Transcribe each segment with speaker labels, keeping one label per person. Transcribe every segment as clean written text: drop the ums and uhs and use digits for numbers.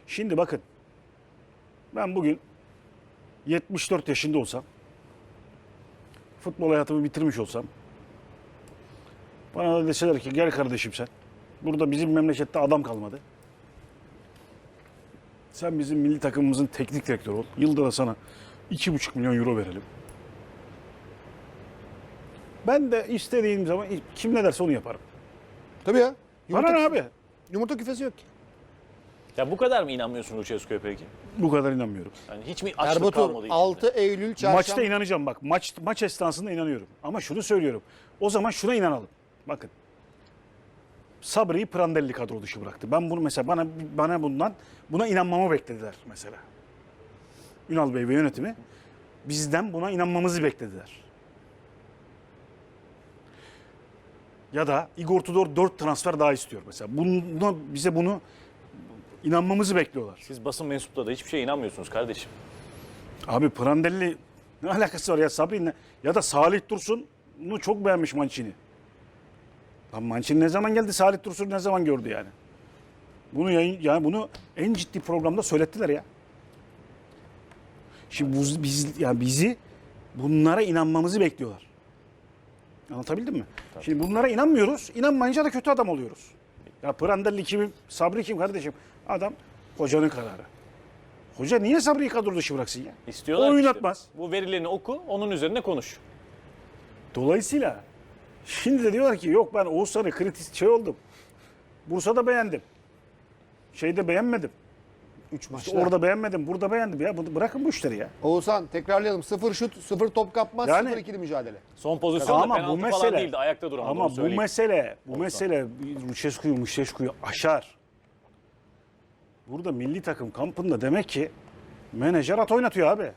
Speaker 1: Şimdi bakın. Ben bugün 74 yaşında olsam, futbol hayatımı bitirmiş olsam, bana da deseler ki gel kardeşim sen. Burada bizim memlekette adam kalmadı. Sen bizim milli takımımızın teknik direktörü ol. Yılda da sana 2,5 milyon euro verelim. Ben de istediğim zaman kim ne derse onu yaparım.
Speaker 2: Tabii ya.
Speaker 1: Bana ne abi?
Speaker 2: Yumurta küfesi yok ki.
Speaker 3: Ya bu kadar mı inanmıyorsun Lucescu'ya peki?
Speaker 1: Bu kadar inanmıyorum.
Speaker 3: Yani hiç mi açlık
Speaker 2: Erbatur
Speaker 3: kalmadı içinde?
Speaker 2: 6 Eylül çarşamba.
Speaker 1: Maçta inanacağım bak. Maç esnasında inanıyorum. Ama şunu söylüyorum. O zaman şuna inanalım. Bakın. Sabri'yi Prandelli kadro dışı bıraktı. Ben bunu mesela buna inanmamı beklediler mesela. Ünal Bey ve yönetimi bizden buna inanmamızı beklediler. Ya da Igor Tudor 4 transfer daha istiyor mesela. Bize bunu inanmamızı bekliyorlar.
Speaker 3: Siz basın mensupları da hiçbir şeye inanmıyorsunuz kardeşim.
Speaker 1: Abi Prandelli ne alakası var ya Sabri'yle? Ya da Salih Dursun'u çok beğenmiş Mancini. Lan Mancini ne zaman geldi? Salih Dursun'u ne zaman gördü yani? Bunu en ciddi programda söylettiler ya. Şimdi bizi bunlara inanmamızı bekliyorlar. Anlatabildim mi? Tabii. Şimdi bunlara inanmıyoruz. İnanmayınca da kötü adam oluyoruz. Ya Prandelli kim? Sabri kim kardeşim? Adam hocanın kararı. Hoca niye Sabri'yi kadro dışı bıraksın ya?
Speaker 3: İstiyorlar
Speaker 1: O
Speaker 3: ki
Speaker 1: oynatmaz.
Speaker 3: işte. Bu verilerini oku, onun üzerine konuş.
Speaker 1: Dolayısıyla şimdi de diyorlar ki yok ben Oğuzhan'ı kritik oldum. Bursa'da beğendim. Şeyde beğenmedim.
Speaker 2: 3 maçta.
Speaker 1: İşte orada beğenmedim, burada beğendim ya. Bırakın bu işleri ya.
Speaker 2: Oğuzhan tekrarlayalım. 0 şut, 0 top kapma,
Speaker 1: Yani-
Speaker 2: 0 ikili mücadele.
Speaker 3: Son pozisyonda
Speaker 1: Ama
Speaker 3: penaltı
Speaker 1: bu
Speaker 3: falan
Speaker 1: mesele
Speaker 3: değildi, ayakta duramadı.
Speaker 1: ama
Speaker 3: onu
Speaker 1: bu
Speaker 3: söyleyeyim.
Speaker 1: mesele Lucescu'yu aşar. Burada milli takım kampında demek ki menajer at oynatıyor abi.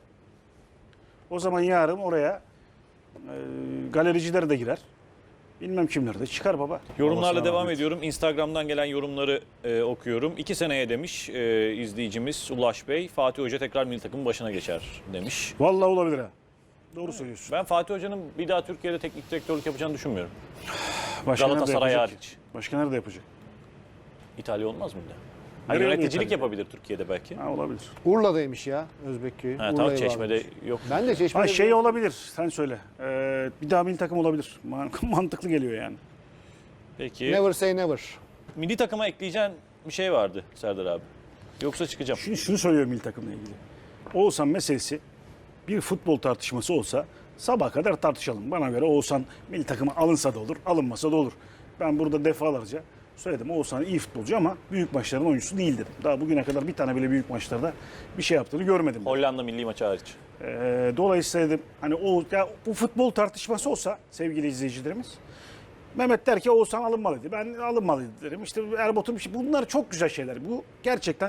Speaker 1: O zaman yarın oraya galericiler de girer. Bilmem kimler de çıkar baba.
Speaker 3: Yorumlarla
Speaker 1: Babasına
Speaker 3: devam
Speaker 1: rahmet.
Speaker 3: ediyorum. Instagram'dan gelen yorumları okuyorum. 2 seneye demiş izleyicimiz Ulaş Bey. Fatih Hoca tekrar milli takımın başına geçer demiş.
Speaker 1: Vallahi olabilir ha. Doğru söylüyorsun.
Speaker 3: Ben Fatih Hoca'nın bir daha Türkiye'de teknik direktörlük yapacağını düşünmüyorum.
Speaker 1: Başka nerede
Speaker 3: Galatasaray
Speaker 1: yapacak
Speaker 3: hariç.
Speaker 1: ki? Başka nerede yapacak?
Speaker 3: İtalya olmaz mı bir de?
Speaker 1: Nereye
Speaker 3: Yöneticilik
Speaker 1: İtalya?
Speaker 3: yapabilir Türkiye'de belki.
Speaker 1: Ha, olabilir.
Speaker 2: Urla'daymış ya Özbek köyü.
Speaker 3: Ha, tamam, Çeşme'de yok.
Speaker 2: Ben de Çeşme'de.
Speaker 1: Ha şey olabilir. Sen söyle. Bir daha milli takım olabilir. Mantıklı geliyor yani.
Speaker 3: Peki.
Speaker 2: Never say never.
Speaker 3: Milli takıma ekleyeceğin bir şey vardı Serdar abi. Yoksa çıkacağım.
Speaker 1: Şunu söylüyorum milli takımla ilgili. Oğuzhan meselesi bir futbol tartışması olsa sabaha kadar tartışalım. Bana göre Oğuzhan milli takıma alınsa da olur, alınmasa da olur. Ben burada defalarca söyledim. Oğuzhan iyi futbolcu ama büyük maçların oyuncusu değil dedim. Daha bugüne kadar bir tane bile büyük maçlarda bir şey yaptığını görmedim.
Speaker 3: Hollanda milli maçı hariç.
Speaker 1: Dolayısıyla dedim hani bu futbol tartışması olsa sevgili izleyicilerimiz Mehmet der ki Oğuzhan alınmalıydı. Ben alınmalıydı derim. İşte Erbatur bunlar çok güzel şeyler. Bu gerçekten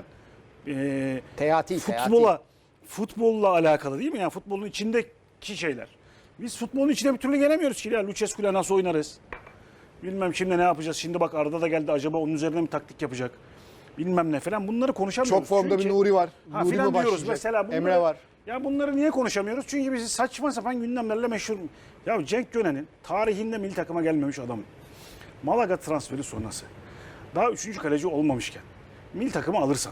Speaker 2: Teati.
Speaker 1: futbolla alakalı değil mi? Yani futbolun içindeki şeyler. Biz futbolun içine bir türlü gelemiyoruz ki. Ya Lucescu'yla nasıl oynarız? Bilmem şimdi ne yapacağız. Şimdi bak Arda da geldi. Acaba onun üzerine mi taktik yapacak? Bilmem ne falan. Bunları konuşamıyoruz.
Speaker 2: Çok formda
Speaker 1: Çünkü-
Speaker 2: bir Nuri var.
Speaker 1: Ha,
Speaker 2: Nuri
Speaker 1: filan
Speaker 2: mi
Speaker 1: diyoruz
Speaker 2: başlayacak?
Speaker 1: mesela.
Speaker 2: Emre var.
Speaker 1: Ya bunları niye konuşamıyoruz? Çünkü bizi saçma sapan gündemlerle meşhur. Ya Cenk Gönen'in tarihinde milli takıma gelmemiş adam. Malaga transferi sonrası. Daha 3. kaleci olmamışken milli takımı alırsan.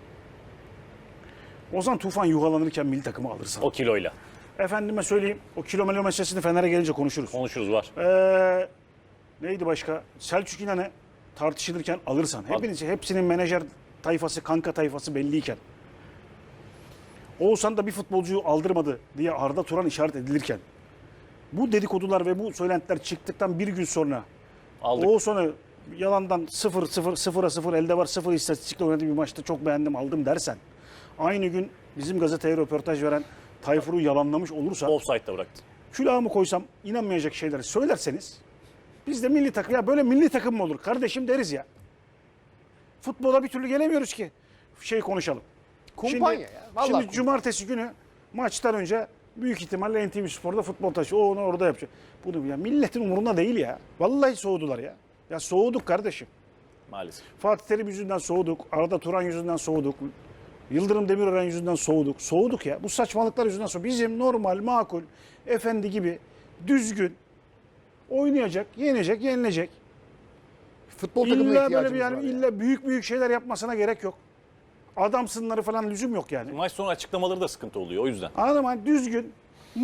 Speaker 1: Ozan Tufan yuhalanırken milli takımı alırsan.
Speaker 3: O kiloyla.
Speaker 1: Efendime söyleyeyim o kilometre meselesini Fener'e gelince konuşuruz.
Speaker 3: Konuşuruz var.
Speaker 1: Neydi başka? Selçuk İnan'ı tartışılırken alırsan. Hepsinin menajer tayfası, kanka tayfası belliyken. Oğuzhan da bir futbolcuyu aldırmadı diye Arda Turan işaret edilirken. Bu dedikodular ve bu söylentiler çıktıktan bir gün sonra
Speaker 3: Aldık.
Speaker 1: Oğuzhan'ı yalandan 0-0 elde var 0 istatistikle oynadığı bir maçta çok beğendim aldım dersen. Aynı gün bizim gazeteye röportaj veren Tayfur'u yalanlamış olursa
Speaker 3: Offside'da bıraktı.
Speaker 1: külahımı koysam inanmayacak şeyleri söylerseniz biz de milli takım ya böyle milli takım mı olur kardeşim deriz ya. Futbola bir türlü gelemiyoruz ki konuşalım.
Speaker 2: Kumpanya ya. Vallahi
Speaker 1: Şimdi
Speaker 2: kumpanya.
Speaker 1: cumartesi günü maçtan önce büyük ihtimalle NTV Spor'da futbol taşı. O onu orada yapacak. Bunu ya milletin umurunda değil ya. Vallahi soğudular ya. Ya soğuduk kardeşim.
Speaker 3: Maalesef.
Speaker 1: Fatih Terim yüzünden soğuduk. Arda Turan yüzünden soğuduk. Yıldırım Demirören yüzünden soğuduk. Soğuduk ya. Bu saçmalıklar yüzünden soğuduk. Bizim normal, makul, efendi gibi düzgün oynayacak, yenecek, yenilecek.
Speaker 2: Futbol takımına
Speaker 1: İlla böyle
Speaker 2: ihtiyacımız
Speaker 1: bir
Speaker 2: var ya.
Speaker 1: illa büyük şeyler yapmasına gerek yok. adamsınları falan lüzum yok yani.
Speaker 3: Maç sonu açıklamaları da sıkıntı oluyor o yüzden.
Speaker 1: Anladın mı? Düzgün,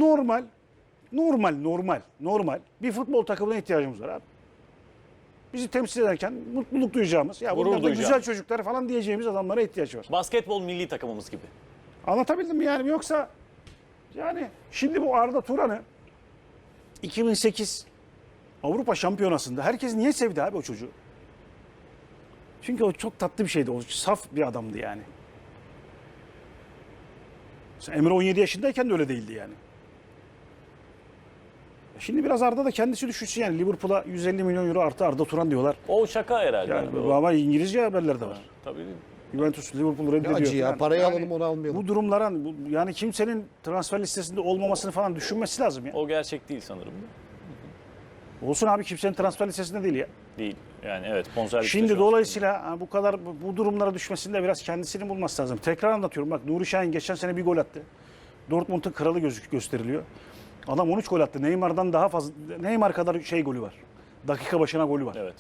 Speaker 1: normal bir futbol takımına ihtiyacımız var abi. Bizi temsil ederken mutluluk duyacağımız, ya
Speaker 3: Gurur
Speaker 1: bunlar da güzel
Speaker 3: duyacağımız.
Speaker 1: çocuklar falan diyeceğimiz adamlara ihtiyaç var.
Speaker 3: Basketbol milli takımımız gibi.
Speaker 1: Anlatabildim mi yani? Yoksa yani şimdi bu Arda Turan'ı 2008 Avrupa Şampiyonası'nda herkes niye sevdi abi o çocuğu? Çünkü o çok tatlı bir şeydi. O saf bir adamdı yani. Mesela Emre 17 yaşındayken de öyle değildi yani. Şimdi biraz Arda da kendisi düşünsün yani. Liverpool'a 150 milyon euro artı Arda Turan diyorlar.
Speaker 3: O şaka herhalde.
Speaker 1: Yani
Speaker 3: abi, o.
Speaker 1: ama İngilizce haberler de var.
Speaker 3: Tabii.
Speaker 1: Juventus Liverpool'u
Speaker 2: Ne
Speaker 1: reddediyor.
Speaker 2: acı ya.
Speaker 1: falan.
Speaker 2: Parayı
Speaker 1: Yani
Speaker 2: alalım onu almayalım.
Speaker 1: Bu durumlara yani kimsenin transfer listesinde olmamasını falan düşünmesi lazım ya.
Speaker 3: O gerçek değil sanırım.
Speaker 1: Olsun abi, kimsenin transfer listesinde değil ya.
Speaker 3: Değil. Yani evet bonservis.
Speaker 1: Şimdi dolayısıyla bu kadar bu durumlara düşmesinde biraz kendisini bulması lazım. Tekrar anlatıyorum, bak Nuri Şahin geçen sene bir gol attı. Dortmund'un kralı gösteriliyor. Adam 13 gol attı. Neymar'dan daha fazla, Neymar kadar golü var. Dakika başına golü var.
Speaker 3: Evet.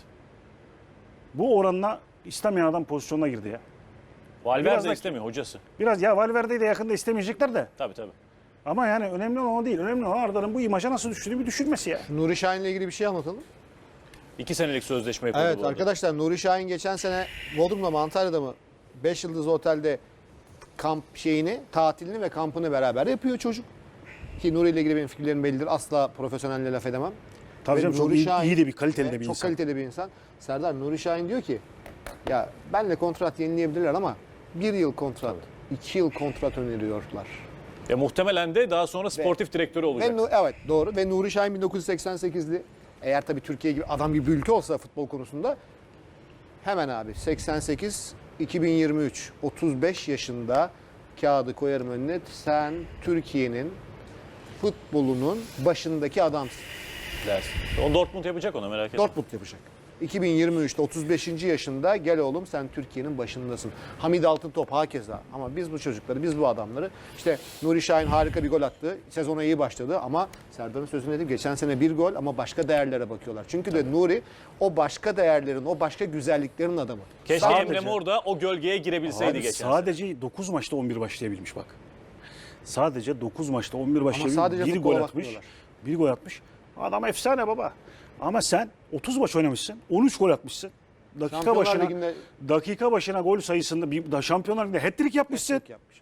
Speaker 1: Bu oranla istemeyen adam pozisyonuna girdi ya.
Speaker 3: Valverde
Speaker 1: Biraz da-
Speaker 3: istemiyor hocası.
Speaker 1: Biraz ya Valverde'yi de yakında istemeyecekler de.
Speaker 3: Tabii tabii.
Speaker 1: Ama yani önemli olan o değil. Önemli olan Arda'nın bu imaja nasıl düştüğünü bir düşünmesi ya.
Speaker 2: Nuri Şahin'le ilgili bir şey anlatalım.
Speaker 3: 2 senelik sözleşme yapıldı
Speaker 2: Evet
Speaker 3: bu arada.
Speaker 2: arkadaşlar, Nuri Şahin geçen sene Bodrum'da mı Antalya'da mı 5 yıldızlı otelde kamp tatilini ve kampını beraber yapıyor çocuk. Ki Nuri ile ilgili benim fikirlerim bellidir. Asla profesyonelle laf edemem.
Speaker 1: Tabii
Speaker 2: Ve
Speaker 1: canım, çok
Speaker 2: Nuri
Speaker 1: iyi de bir kaliteli de
Speaker 2: Evet,
Speaker 1: bir
Speaker 2: çok
Speaker 1: insan.
Speaker 2: kaliteli bir insan. Serdar, Nuri Şahin diyor ki ya benle kontrat yenileyebilirler ama 1 yıl kontrat, 2 yıl kontrat öneriyorlar.
Speaker 3: Muhtemelen de daha sonra sportif direktörü olacak.
Speaker 2: Evet doğru, ve Nuri Şahin 1988'li. Eğer tabii Türkiye gibi adam gibi bir ülke olsa futbol konusunda hemen abi 88 2023 35 yaşında kağıdı koyarım önüne. Sen Türkiye'nin futbolunun başındaki adamsın.
Speaker 3: Dersin. O Dortmund yapacak ona, merak etme.
Speaker 2: Dortmund yapacak. 2023'te 35. yaşında gel oğlum sen Türkiye'nin başındasın. Hamid Altıntop hakeza. Ama biz bu çocukları, biz bu adamları, işte Nuri Şahin harika bir gol attı. Sezona iyi başladı ama Serdar'ın sözünü dedim. Geçen sene bir gol ama başka değerlere bakıyorlar. Çünkü de Nuri o başka değerlerin, o başka güzelliklerin adamı.
Speaker 3: Keşke
Speaker 1: Sadece-
Speaker 3: Emre Mor da o gölgeye girebilseydi
Speaker 1: Abi
Speaker 3: geçen sene.
Speaker 1: sadece 9 maçta 11 başlayabilmiş bak. Sadece 9 maçta 11 başlayabilmiş.
Speaker 2: sadece
Speaker 1: Bir
Speaker 2: futbola
Speaker 1: gol atmış.
Speaker 2: bakmıyorlar.
Speaker 1: Bir gol atmış. Adam efsane baba. Ama sen 30 maç oynamışsın. 13 gol atmışsın.
Speaker 2: Şampiyonlar Ligi'nde
Speaker 1: Dakika başına gol sayısında Şampiyonlar Ligi'nde hat-trick yapmışsın.
Speaker 2: yapmış.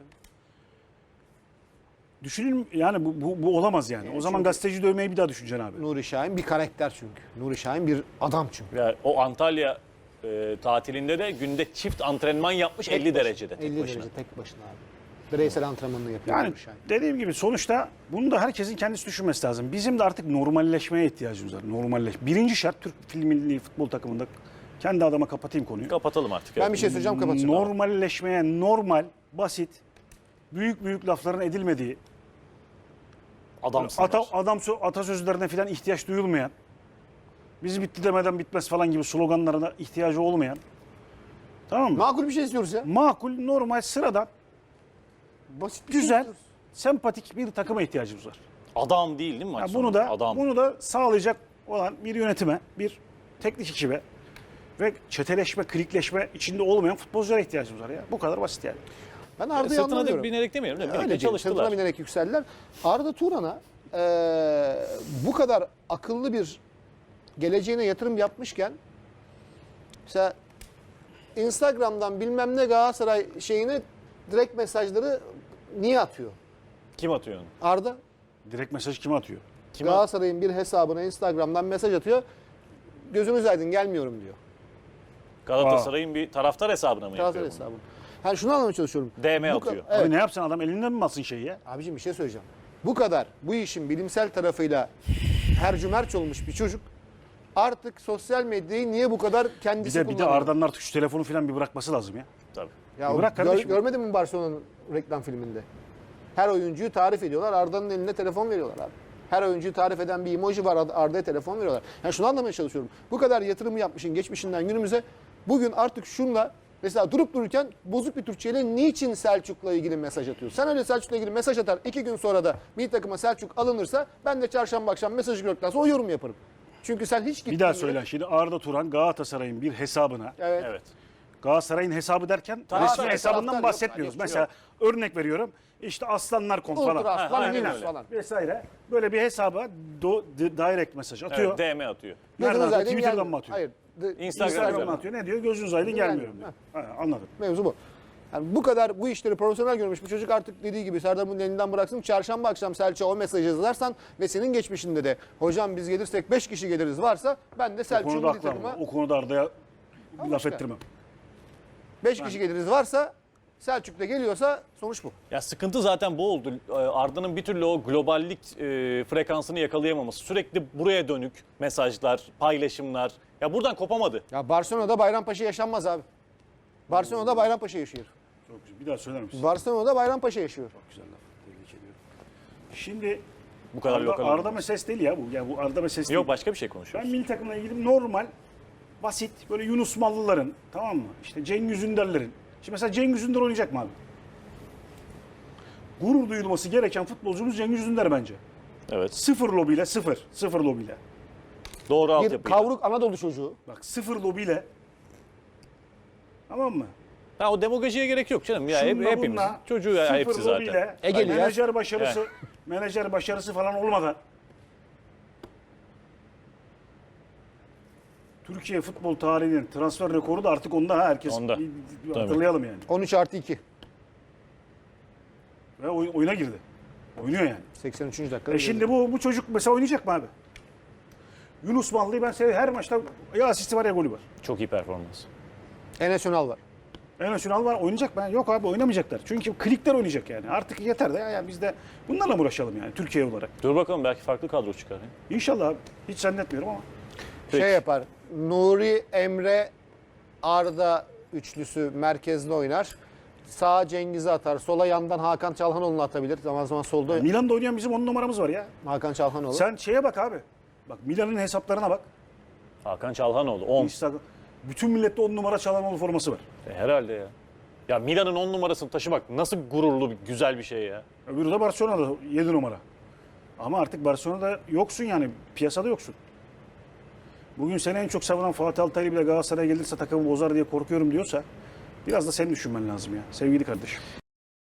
Speaker 1: Düşünün yani bu olamaz yani. O zaman gazeteci dövmeyi bir daha düşüneceksin abi.
Speaker 2: Nuri Şahin bir karakter çünkü. Nuri Şahin bir adam çünkü.
Speaker 3: Yani o Antalya tatilinde de günde çift antrenman yapmış 50 derecede. tek
Speaker 2: 50
Speaker 3: başına.
Speaker 2: derece tek başına abi. Bireysel antrenmanını yapıyor
Speaker 1: Yani
Speaker 2: Nuri Şahin.
Speaker 1: dediğim gibi sonuçta bunu da herkesin kendisi düşünmesi lazım. Bizim de artık normalleşmeye ihtiyacımız var. Birinci şart Türk milli futbol takımında, kendi adıma kapatayım konuyu.
Speaker 3: Kapatalım artık.
Speaker 2: Ben
Speaker 3: evet.
Speaker 2: bir şey söyleyeceğim, kapatacağım.
Speaker 1: Normalleşmeye, normal, basit, büyük lafların edilmediği,
Speaker 3: Adamsınlar.
Speaker 1: atasözlerine falan ihtiyaç duyulmayan, bizi bitti demeden bitmez falan gibi sloganlarına ihtiyacı olmayan, tamam mı?
Speaker 2: Makul bir şey istiyoruz ya.
Speaker 1: Makul, normal, sıradan,
Speaker 2: Basit bir şey
Speaker 1: güzel,
Speaker 2: istiyoruz.
Speaker 1: sempatik bir takıma ihtiyacımız var.
Speaker 3: Adam değil mi maç
Speaker 1: Ya
Speaker 3: sonunda? Adam.
Speaker 1: bunu da sağlayacak olan bir yönetime, bir teknik ekibe ve çeteleşme, klikleşme içinde olmayan futbolculara ihtiyacımız var ya. Bu kadar basit yani.
Speaker 2: Ben Arda'yı
Speaker 3: Sırtına da
Speaker 2: anlamıyorum.
Speaker 3: binerek demeyelim de
Speaker 2: Öyle
Speaker 3: birlikte
Speaker 2: değil.
Speaker 3: çalıştılar.
Speaker 2: Sırtına binerek yükseldiler. Arda Turan'a bu kadar akıllı bir geleceğine yatırım yapmışken mesela Instagram'dan bilmem ne Galatasaray şeyini direkt mesajları niye atıyor?
Speaker 3: Kim atıyor onu?
Speaker 2: Arda
Speaker 1: Direkt mesaj kime atıyor?
Speaker 3: Kime
Speaker 2: Galatasaray'ın bir hesabına Instagram'dan mesaj atıyor. Gözünüz aydın gelmiyorum diyor.
Speaker 3: Galatasaray'ın bir taraftar hesabına mı
Speaker 2: Galatasaray
Speaker 3: yapıyor bunu?
Speaker 2: hesabı. Yani şunu anlamaya çalışıyorum.
Speaker 3: DM
Speaker 2: Bu
Speaker 3: atıyor.
Speaker 2: Evet.
Speaker 1: Abi ne yapsın adam, elinden mi alsın şeyi ya?
Speaker 2: Abiciğim bir şey söyleyeceğim. Bu kadar bu işin bilimsel tarafıyla hercümerç olmuş bir çocuk artık sosyal medyayı niye bu kadar
Speaker 1: Bir
Speaker 2: kendisi
Speaker 1: de
Speaker 2: kullanıyor?
Speaker 1: Arda'nın artık şu telefonu falan bir bırakması lazım ya.
Speaker 3: Tabii.
Speaker 2: Ya
Speaker 1: Bir bırak kardeşim.
Speaker 2: görmedin mi Barcelona'nın reklam filminde? Her oyuncuyu tarif ediyorlar. Arda'nın eline telefon veriyorlar abi. Her oyuncuyu tarif eden bir emoji var. Arda'ya telefon veriyorlar. Yani şunu anlamaya çalışıyorum. Bu kadar yatırımı yapmışın geçmişinden günümüze. Bugün artık şunla mesela durup dururken bozuk bir Türkçeyle niçin Selçuk'la ilgili mesaj atıyorsun? Sen öyle Selçuk'la ilgili mesaj atar. 2 gün sonra da milli takıma Selçuk alınırsa ben de çarşamba akşam mesajı gördükten sonra o yorum yaparım. Çünkü sen hiç gittin.
Speaker 1: Bir daha söyle. Şimdi Arda Turan Galatasaray'ın bir hesabına
Speaker 2: Evet.
Speaker 3: Evet.
Speaker 1: Galatasaray'ın hesabı derken
Speaker 3: Taraftar,
Speaker 1: resmi hesabından
Speaker 2: taraftar
Speaker 1: bahsetmiyoruz.
Speaker 2: yok,
Speaker 1: Mesela örnek veriyorum. İşte Aslanlar.com
Speaker 2: Ultra
Speaker 1: falan.
Speaker 2: Aslan,
Speaker 3: aynen
Speaker 2: Linux
Speaker 3: öyle.
Speaker 2: falan.
Speaker 1: Vesaire. Böyle bir hesaba direct mesaj atıyor.
Speaker 3: Evet, DM atıyor.
Speaker 1: Nereden
Speaker 2: Gözünüz
Speaker 1: atıyor?
Speaker 2: aydın
Speaker 1: Twitter'dan
Speaker 2: gelmiyor.
Speaker 1: mı atıyor?
Speaker 2: Hayır.
Speaker 3: Instagram'dan
Speaker 1: Instagram'dan atıyor. Ne diyor? Gözünüz aydın gelmiyorum diyor. Ha, anladım.
Speaker 2: Mevzu bu. Yani bu kadar bu işleri profesyonel görmüş bu çocuk artık dediği gibi Serdar'ın elinden bıraksın. Çarşamba akşam Selçuk'a o mesajı yazarsan ve senin geçmişinde de hocam biz gelirsek 5 kişi geliriz varsa ben de
Speaker 1: O
Speaker 2: Selçuk'un
Speaker 1: konuda
Speaker 2: milli
Speaker 1: haklı ama.
Speaker 2: takıma
Speaker 1: O konuda Arda'ya laf
Speaker 2: başka.
Speaker 1: ettirmem.
Speaker 2: 5 kişi geliriz varsa Selçuk'ta geliyorsa sonuç bu.
Speaker 3: Ya sıkıntı zaten bu oldu. Arda'nın bir türlü o globallik frekansını yakalayamaması. Sürekli buraya dönük mesajlar, paylaşımlar. Ya buradan kopamadı.
Speaker 2: Ya Barcelona'da Bayrampaşa yaşanmaz abi. Barcelona'da Bayrampaşa yaşıyor.
Speaker 1: Çok güzel. Bir daha söyler misin?
Speaker 2: Barcelona'da Bayrampaşa yaşıyor.
Speaker 1: Çok güzel laf. Tebrik ediyorum. Şimdi
Speaker 3: Bu kadar lokal.
Speaker 1: Arda meselesi değil ya bu. Ya bu Arda meselesi
Speaker 3: Yok
Speaker 1: değil.
Speaker 3: başka bir şey
Speaker 1: Ben
Speaker 3: konuşuyoruz.
Speaker 1: milli takımla ilgili normal, basit, böyle Yunus Mallıların, tamam mı? İşte Cengiz Ünder'lerin. Şimdi mesela Cengiz Ünder oynayacak mı abi? Gurur duyulması gereken futbolcumuz Cengiz Ünder bence.
Speaker 3: Evet.
Speaker 1: Sıfır lobiyle, sıfır. Sıfır lobiyle.
Speaker 3: Doğru
Speaker 2: Bir
Speaker 3: altyapıyla.
Speaker 2: kavruk Anadolu çocuğu.
Speaker 1: Bak sıfır lobiyle. Tamam mı?
Speaker 3: Ha, o demagojiye gerek yok canım. Ya
Speaker 1: Şunla
Speaker 3: hepimiz.
Speaker 1: bununla,
Speaker 3: Çocuğu ya
Speaker 1: sıfır
Speaker 3: hepsi zaten.
Speaker 1: lobiyle,
Speaker 2: Egeli ya.
Speaker 1: menajer başarısı falan olmadan Türkiye futbol tarihinin transfer rekoru da artık onda, ha, herkes
Speaker 3: Onda.
Speaker 1: bir
Speaker 3: Tabii.
Speaker 1: hatırlayalım yani.
Speaker 2: 13+2.
Speaker 1: Ve oyuna girdi. Oynuyor yani.
Speaker 2: 83. dakikada.
Speaker 1: Şimdi bu çocuk mesela oynayacak mı abi? Yunus Mallı'yı ben seviyorum. Her maçta ya asisti var ya golü var.
Speaker 3: Çok iyi performans.
Speaker 2: Enes Ünal var.
Speaker 1: En Ünal var, oynayacak mı? Yok abi, oynamayacaklar. Çünkü klikler oynayacak yani. Artık yeter de ya biz de bunlarla mı uğraşalım yani Türkiye olarak.
Speaker 3: Dur bakalım belki farklı kadro çıkar. ya.
Speaker 1: İnşallah abi. Hiç zannetmiyorum ama.
Speaker 3: Peki.
Speaker 2: Şey yapar. Nuri, Emre, Arda üçlüsü merkezde oynar. Sağa Cengiz'i atar. Sola yandan Hakan Çalhanoğlu'nu atabilir. Zaman zaman solda
Speaker 1: Milan'da oynayan bizim 10 numaramız var ya.
Speaker 2: Hakan Çalhanoğlu.
Speaker 1: Sen şeye bak abi. Bak Milan'ın hesaplarına bak.
Speaker 3: Hakan Çalhanoğlu 10.
Speaker 1: Instagram. Bütün millette 10 numara Çalhanoğlu forması var.
Speaker 3: Herhalde ya. Ya Milan'ın 10 numarasını taşımak nasıl gururlu, güzel bir şey ya.
Speaker 1: Öbürü de Barcelona'da 7 numara. Ama artık Barcelona'da yoksun yani. Piyasada yoksun. Bugün seni en çok savunan Fatih Altaylı bile Galatasaray'a gelirse takımı bozar diye korkuyorum diyorsa biraz da senin düşünmen lazım ya sevgili kardeşim.